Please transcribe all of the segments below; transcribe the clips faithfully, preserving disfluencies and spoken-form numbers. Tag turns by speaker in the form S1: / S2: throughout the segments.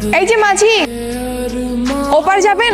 S1: এই যে মাঝি, ওপার যাবেন?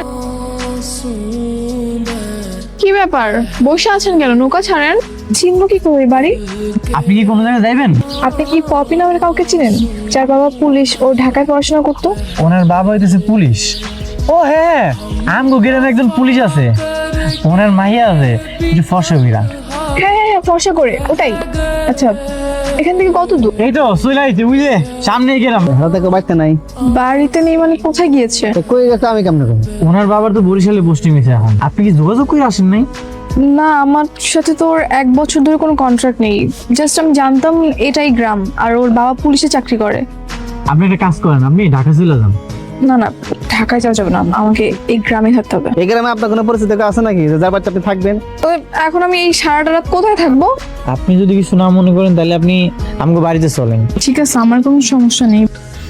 S1: কি ব্যাপার, বসে আছেন কেন? নৌকা ছাড়েন। চিনব কি করে বাড়ি?
S2: আপনি কি কোনো জায়গায় যাইবেন?
S1: আপনি কি পপি নামের কাউকে চিনেন, যার বাবা পুলিশ ও ঢাকায় পড়াশোনা করতো?
S2: ওনার বাবা হইতেছে পুলিশ। ও হ্যাঁ, আমগো গ্রামে একজন পুলিশ আছে, ওনার মাইয়া আছে একটু ফর্সা বিরাট।
S1: হ্যাঁ হ্যাঁ হ্যাঁ, ফর্সা করে, ওটাই। আচ্ছা, এখান থেকে কত দূর?
S2: এই তো চলে আইছে, বুঝলে সামনে গেলাম।
S3: হাতে বাড়তে নাই,
S1: বাড়িতে নেই মানে কোথায় গিয়েছে?
S3: কই গেছে আমি কেমন করব?
S2: ওনার বাবার তো বরিশালে পোস্টিং হয়েছে এখন। আপনি কি যোগাযোগ করে আসেন নাই?
S1: না, আমার সাথে তো ওর এক বছর ধরে কোনো কন্ট্রাক্ট নেই। জাস্ট আমি জানতাম এটাই গ্রাম, আর ওর বাবা পুলিশে চাকরি করে।
S2: আপনি একটা কাজ করেন, আপনি ঢাকা চলে যান।
S1: না না, ঢাকায় যাওয়া যাবে না, আমাকে এই গ্রামে থাকতে হবে।
S3: এই গ্রামে আপনার কোনো পরিচিত কেউ আছে নাকি যে যার বাচ্চা আপনি থাকবেন?
S1: তো এখন আমি এই সারাটা রাত কোথায় থাকবো?
S2: আপনি যদি কিছু না মনে করেন তাহলে আপনি আমাকে বাড়িতে চলেন।
S1: ঠিক আছে, আমার কোনো সমস্যা নেই।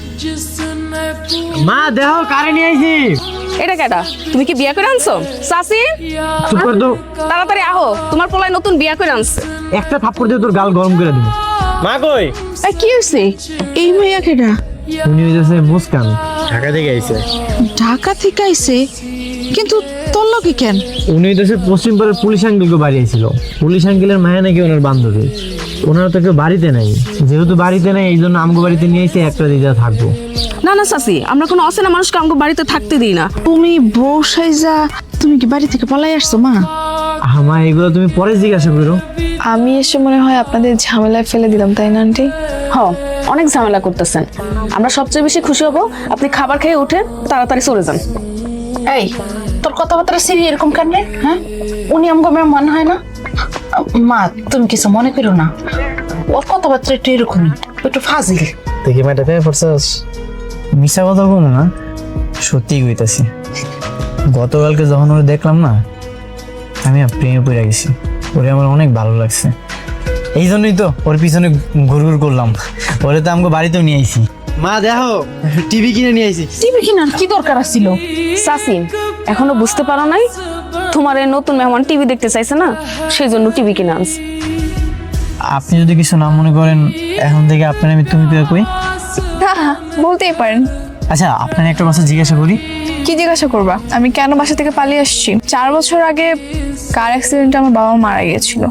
S2: মা দেখো কারে নিয়ে আইছি।
S4: এটা কেডা? তুমি কি বিয়া করে আনছো সাসি?
S2: চুপ কর তো,
S4: তাড়াতাড়ি আহো, তোমার পোলায় নতুন বিয়া করে আনছে।
S2: একটা থাপ্পড় দিয়ে তোর গাল গরম করে দিব। মা কই?
S1: এই কি হইছে? এই ভাইয়া কেডা?
S2: উনি হইতেছে মুস্কান, ঢাকা থেকে আইছে।
S5: ঢাকা থেকে আইছে, কিন্তু তোর লগে কেন?
S2: উনি হইতেছে পশ্চিম পাড়ার পুলিশ আঙ্কেলকে বাড়ি আইছিল। পুলিশ আঙ্কেলের মায়া নাকি ওনার বান্ধবী। ওনারা তো কেউ বাড়িতে নাই, যেহেতু বাড়িতে নাই এই জন্য আমগো বাড়িতে নিয়ে এসে একটা দিদা থাকবো।
S4: না না সাসি, আমরা কোনো অচেনা মানুষকে আমাকে বাড়িতে থাকতে দিই না।
S5: তুমি বউ সাইজা তুমি কি বাড়ি থেকে পালাই আসছো মা?
S2: আমা এগুলো তুমি পরে জিজ্ঞাসা করো।
S1: আমি এসে মনে হয় আপনাদের ঝামেলায় ফেলে দিলাম, তাই না আন্টি?
S4: হ, অনেক ঝামেলা করতেছেন। আমরা সবচেয়ে বেশি খুশি হব আপনি খাবার খেয়ে উঠে তাড়াতাড়ি চলে যান।
S5: এই তোর কথাবার্তা সিরি এরকম কেন রে? হ্যাঁ, উনি আমগো মনে হয় না? মা তুমি কিছু মনে করো না, ওর কথাবার্তা একটু এরকমই, একটু ফাজিল।
S2: দেখি ম্যাডাম পেয়ে পড়ছস, মিশা কথা বলো না, সত্যি কইতাছি। গতকালকে যখন ওরে দেখলাম না, আমি আর প্রেমে পড়ে গেছি। ওরে আমার অনেক ভালো লাগছে, এই জন্যই তো ওর পিছনে ঘুর ঘুর করলাম। ওরে তো আমাকে বাড়িতেও নিয়ে আইছি। মা দেখো টিভি কিনে নিয়ে আইছি।
S5: টিভি কিনার কি দরকার ছিল?
S4: সাসি, এখনো বুঝতে পারো নাই? তোমার এই নতুন মেহমান টিভি দেখতে চাইছে না, সেই জন্য টিভি কিনে আনছে।
S2: আপনি যদি কিছু না মনে করেন, এখন থেকে আপনার আমি তুমি পেয়ে কই।
S1: হ্যাঁ হ্যাঁ, বলতেই পারেন।
S2: আচ্ছা, আপনার একটা কথা জিজ্ঞাসা করি।
S1: কি জিজ্ঞাসা করবা? আমি কেন বাসা থেকে পালিয়ে আসছি? চার বছর আগে কার অ্যাক্সিডেন্টে আমার বাবা মারা গিয়েছিল।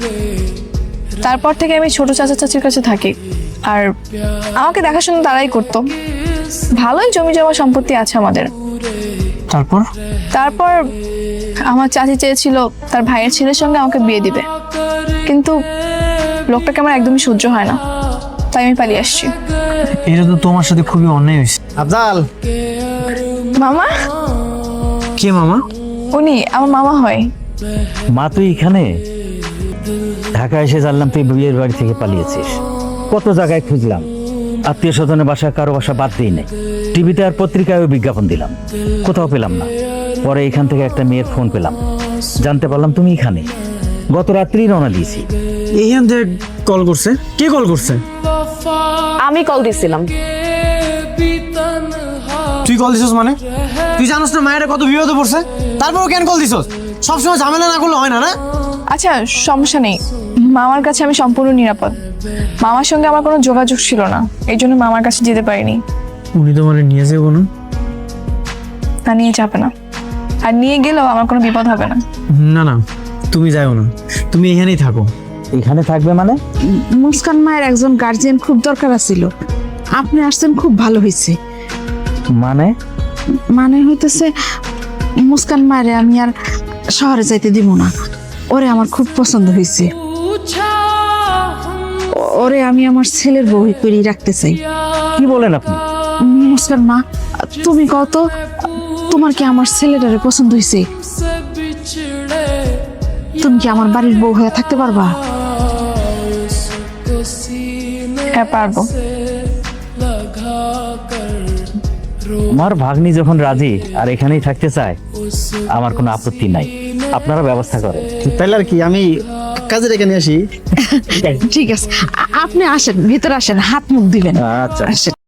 S1: তারপর থেকে আমি ছোট চাচা চাচির কাছে থাকি, আর আমাকে দেখাশোনা তারাই করতো। ভালোই জমি জমা সম্পত্তি আছে আমাদের।
S2: তারপর
S1: তারপর আমার চাচি চেয়েছিল তার ভাইয়ের ছেলের সঙ্গে আমাকে বিয়ে দিবে, কিন্তু লোকটাকে আমার একদমই সহ্য হয় না, তাই আমি পালিয়ে আসছি।
S2: এটা তো তোমার সাথে খুবই অন্যায় হয়েছে।
S3: আফজাল,
S1: মামা?
S2: কে মামা?
S1: উনি আমার মামা হয়।
S6: মা তুই এখানে? ঢাকা এসে জানলাম তুই বিয়ের বাড়ি থেকে পালিয়েছিস। কত জায়গায় খুঁজলাম, আত্মীয় স্বজনের বাসা কারো বাসা বাদ দিই নাই, টিভিতে আর পত্রিকায়ও বিজ্ঞাপন দিলাম, কোথাও পেলাম না। পরে এখান থেকে একটা মেয়ের ফোন পেলাম, জানতে পারলাম তুমি এখানে। গত রাত্রি রওনা দিয়েছি।
S2: এইখান থেকে কল করছে? কে কল করছে?
S4: আমি কল দিছিলাম।
S2: তুই কল দিছস মানে? তুই জানোস না মায়েরা কত বিপদে পড়ছে, তারপরও কেন কল দিছস? সবসময় ঝামেলা না করলে হয় না না?
S1: আচ্ছা, সমস্যা নেই, মামার কাছে আমি সম্পূর্ণ নিরাপদ। মামার সঙ্গে আমার কোনো যোগাযোগ ছিল না, এই জন্য মামার কাছে যেতে পারিনি।
S2: উনি তো মানে নিয়ে যাবো না?
S1: না, নিয়ে যাবে না, আর নিয়ে গেলেও আমার কোনো বিপদ হবে না।
S2: না না, তুমি যাও না, তুমি এখানেই থাকো।
S6: এখানে থাকবে মানে?
S5: মুস্কান মায়ের একজন গার্জিয়ান খুব দরকার ছিল, আপনি আসছেন খুব ভালো হয়েছে।
S6: মানে?
S5: মানে হইতেছে মুস্কান মায়ের আমি আর শহরে যাইতে দিব না, ওরে আমার খুব পছন্দ হয়েছে। ওরে আমি আমার ছেলের বউ করে রাখতে চাই।
S6: কি বলেন আপনি?
S5: মুস্কান মা, তুমি কত, তোমার কি আমার ছেলেটারে পছন্দ হয়েছে? তুমি কি আমার বাড়ির বউ হয়ে থাকতে পারবা?
S1: হ্যাঁ, পারবো।
S6: আমার ভাগ্নি যখন রাজি আর এখানেই থাকতে চায়, আমার কোনো আপত্তি নাই, আপনারা ব্যবস্থা করেন।
S3: তাইলে আর কি আমি কাজে রেখে নিয়ে আসি।
S5: ঠিক আছে, আ- আপনি আসেন, ভিতরে আসেন, হাত মুখ দিবেন।
S6: আচ্ছা।
S5: আসেন।